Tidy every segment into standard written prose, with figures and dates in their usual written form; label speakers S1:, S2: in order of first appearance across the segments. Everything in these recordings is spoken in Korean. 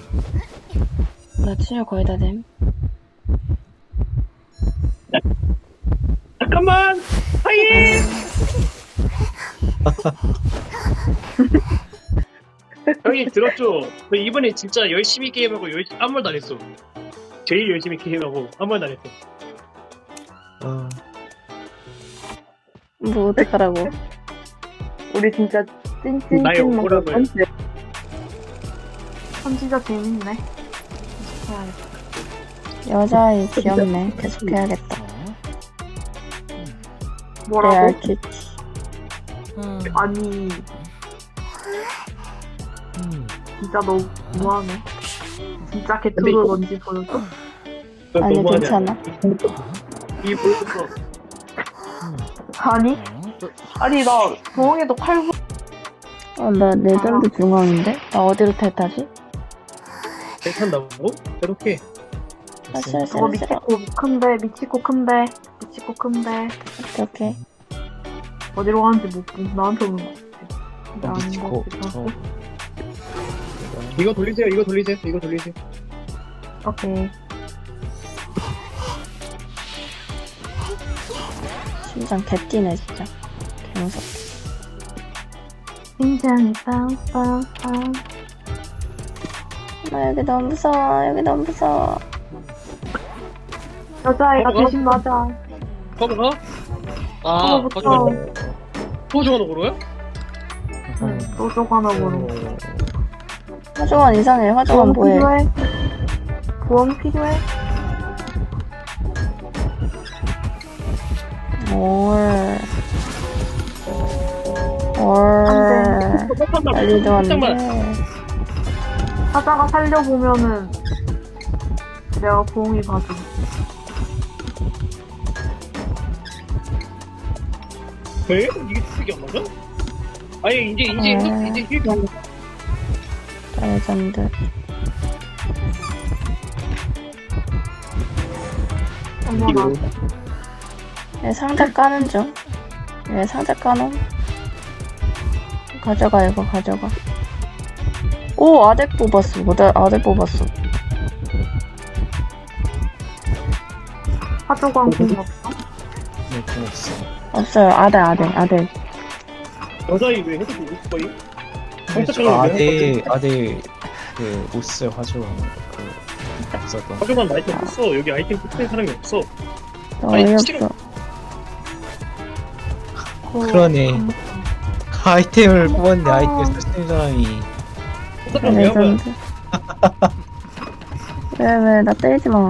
S1: 나 치료 거의 다 됨.
S2: 잠깐만! 하이! 형님 들었죠? 저 이번에 진짜 열심히 게임하고 아무 말도 안 했어. 제일 열심히 게임하고 아무 말도 안 했어.
S1: 뭐 어떡하라고.
S3: 우리 진짜
S2: 나의
S3: 찐찐찐
S2: 억울함을.
S3: 진짜 재밌네.
S1: 여자아이 귀엽네. 계속 해야겠다.
S3: 뭐라고?
S1: 레알 큐티.
S3: 아니 진짜 너무 너무하네. 진짜 개투를 뭔지 보여줘?
S2: 그건
S1: 아니,
S2: 너무하냐.
S1: 괜찮아.
S2: 이 보여줬어.
S3: 아니 나 부엉이도 칼부
S1: 나 레전드 중앙인데? 나 어디로 탈타지?
S2: 괜찮다고? 이렇게.
S1: 아, 싫어,
S3: 저거
S1: 싫어, 싫어.
S3: 미치코 큰데
S1: 오케이.
S3: 어디로 가는지 못 본. 나한테 오는 거 같아.
S4: 미치코.
S2: 이거 돌리세요.
S3: 오케이.
S1: 심장 개뛰네, 진짜. 개무섭다.
S3: 심장이 빵빵빵.
S1: 여기 너무 무서워.
S3: 여자애가 대신 맞아.
S2: 커버가? 아,
S3: 커버부터.
S2: 거짓말. 소중한 으로요?
S3: 응, 소쪽 하나 보는.
S1: 화종원 이상해. 화종원 뭐해?
S3: 필요해? 부엉 필요해?
S1: 난리도 안
S2: 잠깐만.
S1: 돼.
S3: 하다가 살려보면은 내가 부엉이 봐줘.
S2: 왜? 이게 특이 안 맞아? 아니 이제 힐
S1: 레전드.
S3: 어머나.
S1: 얘 상자 까는 중. 얘 상자 까놈. 가져가, 이거 가져가. 오, 아덱 뽑았어. 나 아덱 뽑았어.
S3: 화조광 공 없어?
S4: 네, 공 없어.
S1: 없어요. 아덱.
S2: 여자이 왜 해도 되고 거의?
S4: 아대 그 오스 화조 그 없었던.
S2: 하지만 아이템 없어. 여기 아이템 뽑는 사람이 없어.
S1: 어이없어.
S4: 그러네. 아이템을 뽑았는데 아이템을 쓰는 사람이
S2: 사람 왜 하면
S1: 레전드. 왜, 나 때리지 마.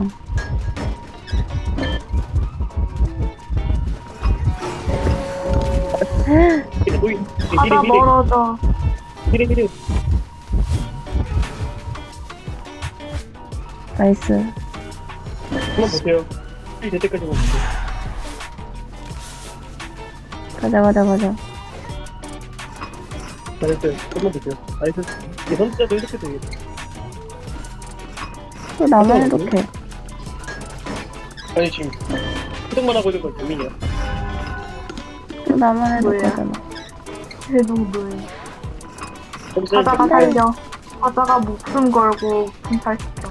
S2: 이게 노이
S3: 하다 멀어져.
S2: 히레
S1: 나이스.
S2: 한번 보세요. 힐될 때까지만 보세요.
S1: 가자.
S2: 나이스. 한번 보세요. 나이스. 이게 선수자도 이렇게 되겠다.
S1: 또 나만 해독해.
S2: 아니 지금 소득만 하고 있는 건 재민이야.
S1: 또 나만
S3: 뭐야?
S1: 해독하잖아.
S3: 대동도에. 하다가 살려. 하다가 목숨 걸고 분탈시켜.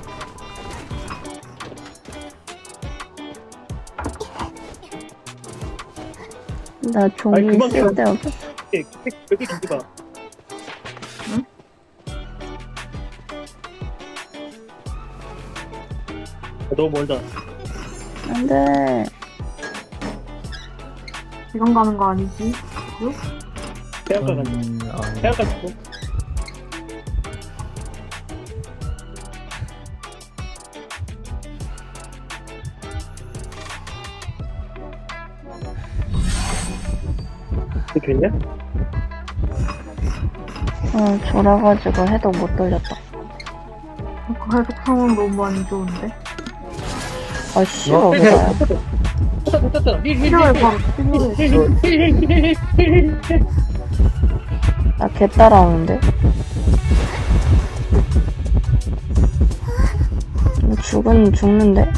S1: 나
S2: 아니,
S1: 종이
S2: 그만
S1: 쓸데없어.
S2: 여기 기지가.
S3: 응?
S2: 너무 멀다.
S1: 안 돼.
S3: 지금 가는 거 아니지?
S2: 해안가 간다. 해안가 주고. 됐냐?
S1: 졸아가지고 해독 못 돌렸다.
S3: 그 해독 상황 너무 안 좋은데?
S1: 아, 씨발, 왜 나야?
S2: 됐다.
S3: 필요해, 바로 필요해.
S1: 나 개 따라오는데? 이거 죽는데?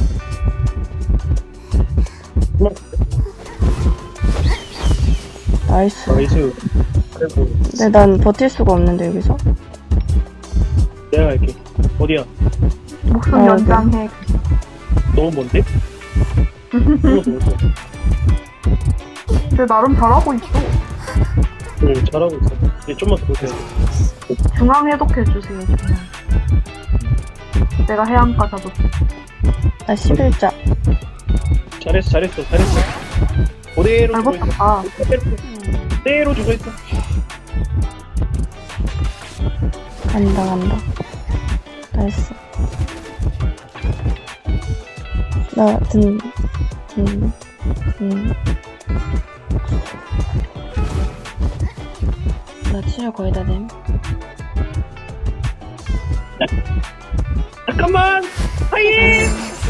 S1: 나이스.
S2: 나이스. 그리고
S1: 근데 난 버틸 수가 없는데, 여기서?
S2: 내가 갈게. 어디야?
S3: 목숨
S1: 아,
S3: 연장해.
S2: 너무 먼데? 너무 먼데?
S3: 근데 나름 잘하고 있어.
S2: 응, 잘하고 있어. 이제 좀만 더 보세요.
S3: 중앙 해독해주세요, 중앙. 내가 해안가 잡을게.
S1: 나 11자.
S2: 잘했어. 그대로
S3: 잘
S2: 주고 있어.
S3: 버텼다.
S2: 그대로 주고 있어.
S1: 간다. 나이스. 나 나 치료 거의 다 됨.
S2: 잠깐만! 하이!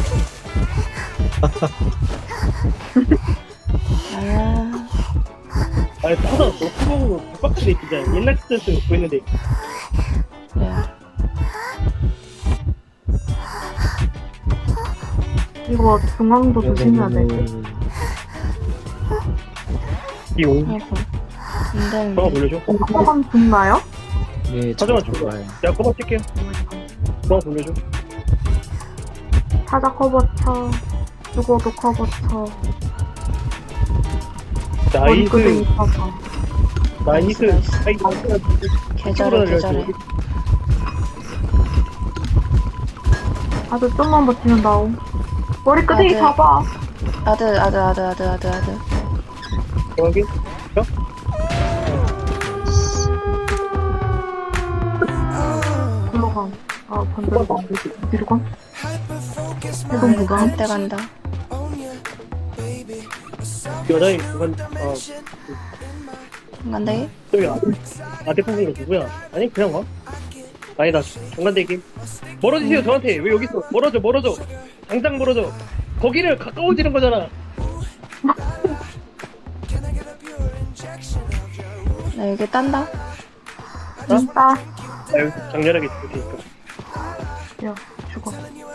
S1: 아,
S2: 아니, 타다 너무 빡빡하게 진짜 옛날 스트레스 갖고 있는데.
S1: 그래.
S3: 이거 중앙도 조심해야 돼.
S2: 이용.
S1: 아이고. 안
S2: 전화
S1: 되는데.
S2: 돌려줘.
S3: 한번 죽나요?
S4: 예,
S2: 찾아만
S4: 저
S2: 줘.
S4: 좋아요.
S2: 내가 커버 칠게요. 전화 돌려줘.
S3: 타자 커버 쳐. 죽어도 커버 쳐. 머리끄댕이
S2: 나이스.
S3: 쳐서.
S2: 나이스.
S1: 나이스.
S2: 아이,
S1: 계절해.
S3: 아주 좀만 버티면 나옴. 머리끄댕이
S1: 아들.
S3: 잡아.
S1: 아들.
S2: 정확히?
S3: 글로 가. 아, 반대로 가. 뒤로 가. 해동 불가.
S1: 한때 간다.
S2: 여자애 그건
S1: 간다기?
S2: 저기 아대 선생님 누구야? 아니 그냥 와. 아니다 정관대기 멀어지세요 저한테. 왜 여기 있어? 멀어져. 당장 멀어져. 거기를 가까워지는 거잖아.
S1: 나 여기 딴다.
S3: 진짜.
S2: 아유 장렬하게 죽을 테니까.
S3: 야, 죽어.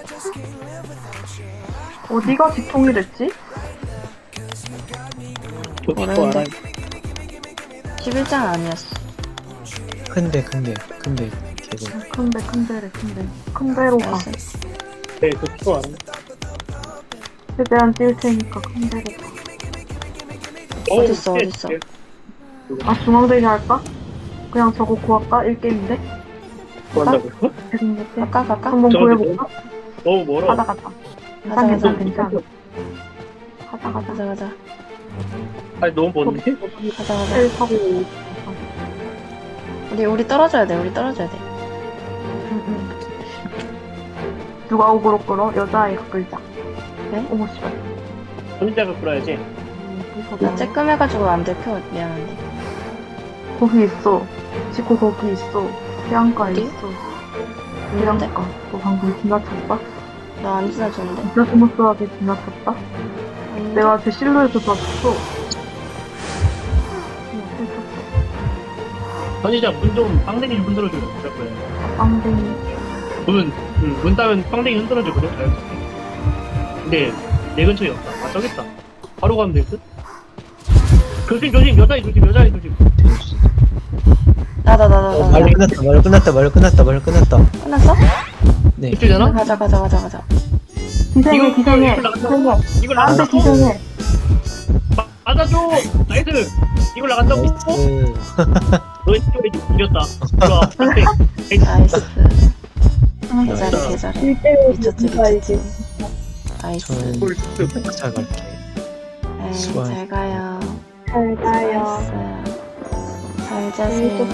S3: 어디가 지통이랬지?
S2: 저 죽고
S1: 모르는데.
S2: 알아요.
S1: 11장 아니었어.
S4: 큰데 개구.
S3: 큰 데로 가.
S1: 나이스.
S2: 네, 저 죽고 알아요.
S3: 최대한 뛸 테니까 큰 데로 가.
S1: 어딨어?
S3: 아, 중앙대기 할까? 그냥 저거 구할까? 1게임인데?
S2: 뭐 한다고요?
S3: 대중이렇게
S1: 갈까?
S3: 한번
S2: 저거
S3: 구해볼까?
S2: 너무 멀어.
S3: 가자.
S1: 가자.
S3: 괜찮아. 가자.
S2: 아니 너무 먼데?
S1: 가자.
S3: 셀 타고.
S1: 우리 떨어져야 돼.
S3: 응. 누가 오그로 끌어? 여자아이가 끌자.
S1: 네?
S3: 어머, 씨발.
S2: 혼자가 끌어야지.
S1: 나 쬐끔해가지고 안 들켜. 미안한데.
S3: 거기 있어. 지코 거기 있어. 해안가에
S1: 어디?
S3: 있어.
S1: 있는데?
S3: 해안가. 너 방금 지나쳤다?
S1: 나 안 지나줬는데.
S3: 진짜 스무스하게 지나쳤다? 내가 제 실루엣을 봤어.
S2: 선이자 문좀 빵댕이 좀 흔들어줘요. 그럴
S3: 빵댕이.
S2: 문 따면 빵댕이 흔들어줘. 그래? 알겠어. 근데 내 근처에 없다. 아 저기 있다. 바로 가면 될 듯? 조심 여자애 조심.
S1: 나다.
S4: 말 끝났다.
S1: 끝났어?
S4: 네.
S2: 집주잖아?
S1: 가자.
S3: 기생해.
S2: 이걸
S3: 나한테
S2: 나간다고?
S3: 기생해.
S2: 맞아줘. 나이스. 이걸 나간다고?
S4: 나이스.
S2: 너 이쪽에 이겼다. 들어와. 빵댕이.
S1: 나이스.
S2: 아,
S1: 계절해. 미쳤지. 나이스.
S4: 저는
S2: 볼
S4: 잘 갈게.
S1: 에이,
S4: 수고하셨어요.
S1: 잘 가요.
S3: 잘 가요.
S1: 수고하셨어요. 잘 자세요.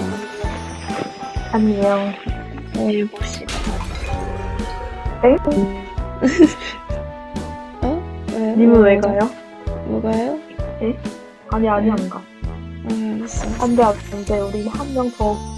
S3: 안녕.
S1: 내일 봅시다.
S3: 에?
S1: 왜?
S3: 님은 왜 가요?
S1: 뭐가요?
S3: 아니, 안 가.
S1: 알았어.
S3: 안 돼. 우리 한 명 더